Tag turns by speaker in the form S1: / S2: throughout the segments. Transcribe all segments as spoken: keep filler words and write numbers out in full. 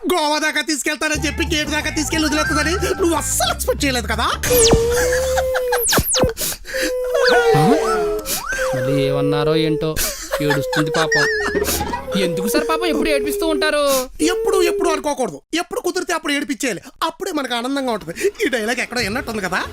S1: గోవా దాకా తీసుకెళ్తానని చెప్పి గేట్ దాకా తీసుకెళ్ళి వదిలేస్తుందని నువ్వు అస్సలు ఎక్స్పెక్ట్ చేయలేదు కదా.
S2: మళ్ళీ ఏమన్నారో ఏంటో ఏడుస్తుంది పాపం. ఎందుకు సార్ పాపం ఎప్పుడు ఏడిపిస్తూ ఉంటారు?
S1: ఎప్పుడు ఎప్పుడు అనుకోకూడదు, ఎప్పుడు కుదిరితే అప్పుడు ఏడిపించేయాలి, అప్పుడే మనకు ఆనందంగా ఉంటుంది. ఈ డైలాగ్ ఎక్కడో విన్నట్టుంది కదా.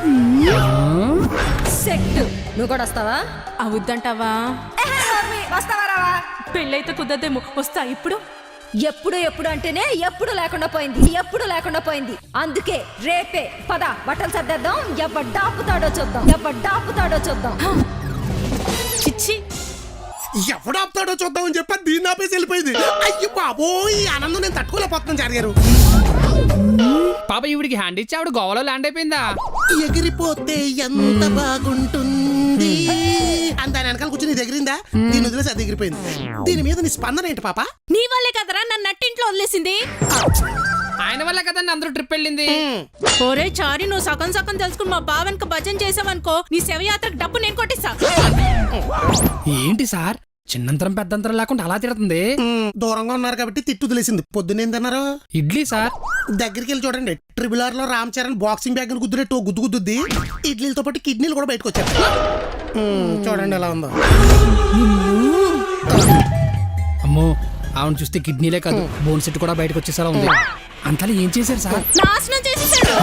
S3: సెట్ నువ్వు కూడా వస్తావా?
S4: అవుద్దంటావా?
S3: వస్తావా రావా?
S4: పెళ్ళైతే కుదరదేమో. వస్తా ఇప్పుడు.
S3: ఎప్పుడు ఎప్పుడు అంటేనే ఎప్పుడు లేకుండా పోయింది, ఎప్పుడు లేకుండా పోయింది. అందుకే రేపే పద బట్టలు సర్దేద్దాం. ఎవడ్డాపుతాడో చూద్దాం, ఎవడ్డాపుతాడో చూద్దాం.
S4: చిచ్చి,
S1: ఎవడు ఆపుతాడో చూద్దామని చెప్పి దీన్ని ఆపేసి వెళ్ళిపోయింది. అయ్యో బాబోయ్, ఆనందం నేను తట్టుకోలేకపోతున్నాను జరిగారు.
S2: పాప ఈవిడికి హ్యాండ్ ఇచ్చి ఆవిడ గోవాలో ల్యాండ్ అయిపోయిందా?
S1: ఎగిరిపోతే ఎంత బాగుంటుంది అని దాని వెనకాల కూర్చొని ఎగిరిందా? దీని వదిలేసి అది ఎగిరిపోయింది. దీని మీద నీ స్పందన ఏంటి పాప?
S4: నీ వల్లే కదరా నన్ను నట్టింట్లో వదిలేసింది.
S2: ఆయన వల్ల కదండి అందరూ ట్రిప్ వెళ్ళింది.
S4: ఒరే చారి, నువ్వు సగం సగం తెలుసుకుని మా బావన్కి భజన చేసావనుకో, నీ శవయాత్రకు డబ్బు నేను కొట్టిస్తా.
S2: ఏంటి సార్ చిన్నంతరం పెద్దంతరం లేకుండా అలా తిడుతుంది?
S1: దూరంగా ఉన్నారు కాబట్టి తిట్టు తెలిసింది. పొద్దున్నేందన్నారు?
S2: ఇడ్లీ సార్.
S1: దగ్గరికి వెళ్ళి చూడండి, ట్రిబుల్ ఆర్ లో రామ్ చరణ్ బాక్సింగ్ బ్యాగ్ గుద్దునట్టు గుద్దు గుద్దుద్ది. ఇడ్లీలతో పాటు కిడ్నీలు కూడా బయటకు వచ్చారు. చూడండి ఎలా ఉందో.
S2: అమ్మో, ఆవిడ చూస్తే కిడ్నీలే కాదు బోన్ సెట్ కూడా బయటకు వచ్చేసలా ఉంది. అంతా ఏం చేశారు సార్?
S4: నాశనం చేసేసాడు.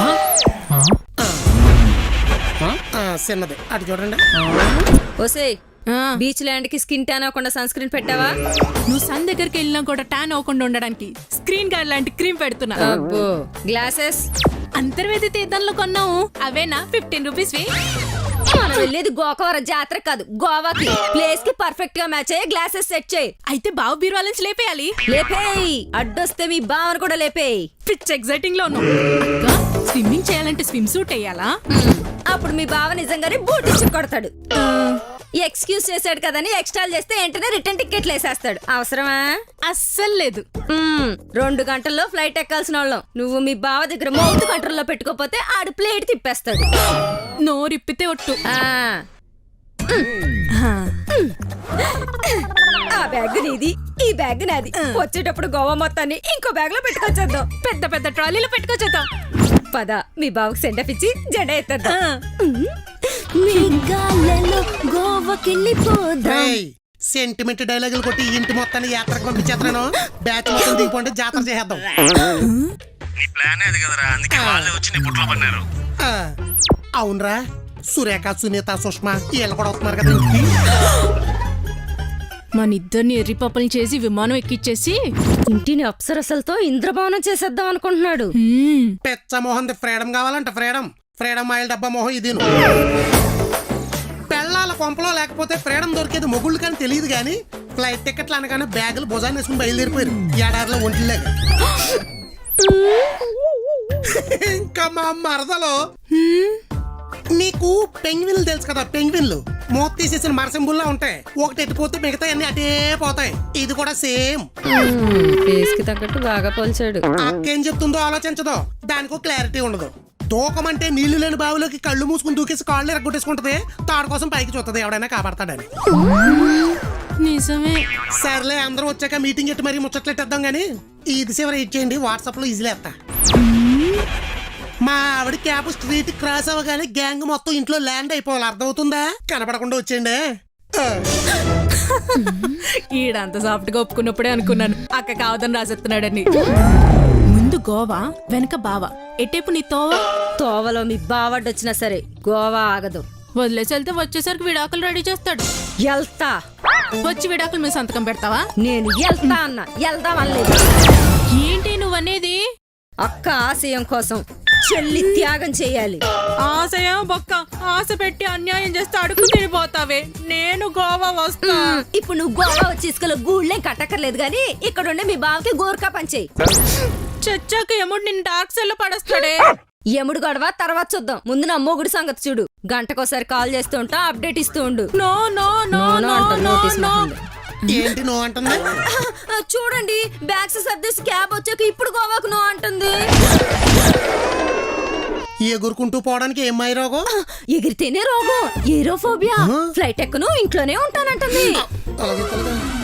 S1: చిన్నది అటు చూడండి.
S3: ఓసే, బీచ్ ల్యాండ్ కి స్కిన్ ట్యాన్ అవ్వకుండా సన్ స్క్రీన్ పెట్టావా?
S4: నువ్వు సన్ దగ్గరికి వెళ్ళినా కూడా ట్యాన్ అవ్వకుండా ఉండడానికి స్క్రీన్ గార్డ్ లాంటి క్రీమ్ పెడుతున్నా.
S3: అబ్బో, గ్లాసెస్
S4: అంతర్వేది తీర్థంలో కొన్నావు, అవేనా ఫిఫ్టీన్ రూపీస్ వి?
S3: మనం వెళ్ళేది గోకవరం జాతర కాదు, గోవాకి. ప్లేస్ కి పర్ఫెక్ట్ గా మ్యాచ్ అయ్యే గ్లాసెస్ సెట్ చేయి.
S4: అయితే బావు బీరువాల నుంచి లేపేయాలి.
S3: లేపేయి, అడ్డొస్తే మీ బావను కూడా లేపేయి.
S4: పిచ్ ఎగ్జైటింగ్ లో ఉన్నావు. స్విమ్మింగ్ చేయాలంటే స్విమ్ సూట్ వేయాలా?
S3: అప్పుడు మీ బావ నిజంగానే బూట్ ఇచ్చి కొడతాడు. ఎక్స్క్యూజ్ చేశాడు కదని ఎక్స్ట్రా చేస్తే వెంటనే రిటర్న్ టికెట్లు వేసేస్తాడు. అవసరమా?
S4: అస్సలు లేదు.
S3: రెండు గంటల్లో ఫ్లైట్ ఎక్కాల్సిన వాళ్ళం నువ్వు మీ బావ దగ్గర మౌత్ కంట్రోల్లో పెట్టుకోపోతే ఆడు ప్లేట్ తిప్పేస్తాడు.
S4: నోరిప్పితే ఒట్టు.
S3: ఆ బ్యాగ్ నీది, ఈ బ్యాగ్ నాది. వచ్చేటప్పుడు గోవా మొత్తాన్ని ఇంకో బ్యాగ్ లో పెట్టుకొచ్చేద్దాం.
S4: పెద్ద పెద్ద ట్రాలీలో పెట్టుకొచ్చేద్దాం.
S3: పద మీ బావకు సెండ్ ఆఫ్ ఇచ్చి జెండా ఎత్తేద్దాం.
S1: సెంటిమెంట్ డైలాగులు కొట్టి ఇంటి మొత్తాన్ని యాత్రకు పంపించేస్తాను. బ్యాచ్ మొత్తం దిగిపోండి, జాతర చేద్దాం. అవునరా, సురేఖ, సునీత, సుష్మా వీళ్ళు కూడా వస్తున్నారు కదా ఇంటికి.
S4: మన ఇద్దరిని ఎర్రి పప్పల్ని చేసి విమానం ఎక్కిచ్చేసి
S3: ఇంటిని అప్సరసలతో ఇంద్రభవనం చేసేద్దాం అనుకుంటున్నాడు.
S1: పెచ్చ మోహన్ ఫ్రీడమ్ కావాలంట. ఫ్రీడమ్ ఫ్రీడమ్ ఆయిల్ డబ్బా మోహం ఇది. పెళ్ళాల కొంపలో లేకపోతే ఫ్రీడమ్ దొరికేది మొగుళ్ళు కానీ తెలియదు. కానీ ఫ్లైట్ టికెట్లు అనగానే బ్యాగులు భుజాన్ని వేసుకుని బయలుదేరిపోయారు ఏడాదిలో ఒంటిలేగా. ఇంకా మా మరదలో నీకు పెంగ్విన్లు తెలుసు కదా, పెంగ్విన్లు మూత తీసేసిన మరసింబుల్లా ఉంటాయి. ఒకటి ఎట్టిపోతే మిగతా అన్ని అటే పోతాయి. ఇది కూడా సేమ్.
S3: ఫేస్ కి తగ్గట్టు బాగా పోల్చాడు.
S1: అక్కేం చెప్తుందో ఆలోచించదో, దానికో క్లారిటీ ఉండదు. దూకమంటే నీళ్లు లేని బావిలోకి కళ్ళు మూసుకుని దూకేసి కాళ్ళు ఎరగొట్టేసుకుంటది. తాడు కోసం పైకి చూస్తుంది, ఎవడైనా కాపాడతాడని.
S4: నిజమే.
S1: సర్లే, అందరూ వచ్చాక మీటింగ్ ఎట్టి మరీ ముచ్చట్లెట్టేద్దాం. గానీ ఇది చివరి ఇచ్చేయండి, వాట్సాప్ లో ఈజీలే ఎత్తా. మా ఆవిడ క్యాబ్ స్ట్రీట్ క్రాస్ అవ్వగానే గ్యాంగ్ మొత్తం ఇంట్లో ల్యాండ్ అయిపోవాలి. అర్థమవుతుందా? కనపడకుండా వచ్చేయండి.
S4: ఈడంత సాఫ్ట్ గా ఒప్పుకున్నప్పుడే అనుకున్నాను అక్క కావదని రాసేస్తున్నాడని. ముందు గోవా, వెనక బావా. ఎట్టేపు నీ తోవ?
S3: తోవలో మీ బావడ్డొచ్చినా సరే గోవా ఆగదు.
S4: వదిలేసి వెళ్తే వచ్చేసరికి విడాకులు రెడీ చేస్తాడు.
S3: ఎల్తా
S4: వచ్చి విడాకులు మీద సంతకం పెడతావా?
S3: నేను ఎల్తా అన్నా, వెళ్దాం అనలేదు.
S4: ఏంటి నువ్వనేది?
S3: అక్క ఆశయం కోసం చెల్లి త్యాగం చేయాలి.
S4: ఆశయం బొక్క. ఆశ పెట్టి అన్యాయం చేస్తే అడుగు తిరిగిపోతావే. నేను గోవా వస్తా.
S3: ఇప్పుడు నువ్వు గోవా వచ్చి ఇసుకలో గూళ్ళేం కట్టక్కర్లేదు గానీ ఇక్కడ ఉండే మీ బావకి గోర్ఖా పంచేయి.
S4: చచ్చాక ఎముడు నిన్ను డార్క్ సెల్ లో పడేస్తాడే.
S3: ఎముడు గొడవ తర్వాత చూద్దాం. ముందు నా మొగుడు సంగతి చూడు. గంటకోసారి కాల్ చేస్తూ ఉంటా, అప్డేట్ ఇస్తూ ఉండు.
S4: No no no no no no.
S1: ఏంటి నో అంటుంది?
S3: చూడండి, బ్యాగ్స్ సర్దేసి క్యాబ్ వచ్చాక ఇప్పుడు గోవాకు నో అంటుంది.
S1: ఎగురుకుంటూ పోవడానికి ఏమై రోగం?
S3: ఎగిరితేనే రోగం, ఏరోఫోబియా. ఫ్లైట్ ఎక్కను, ఇంట్లోనే ఉంటానంటుంది.
S1: అలాగే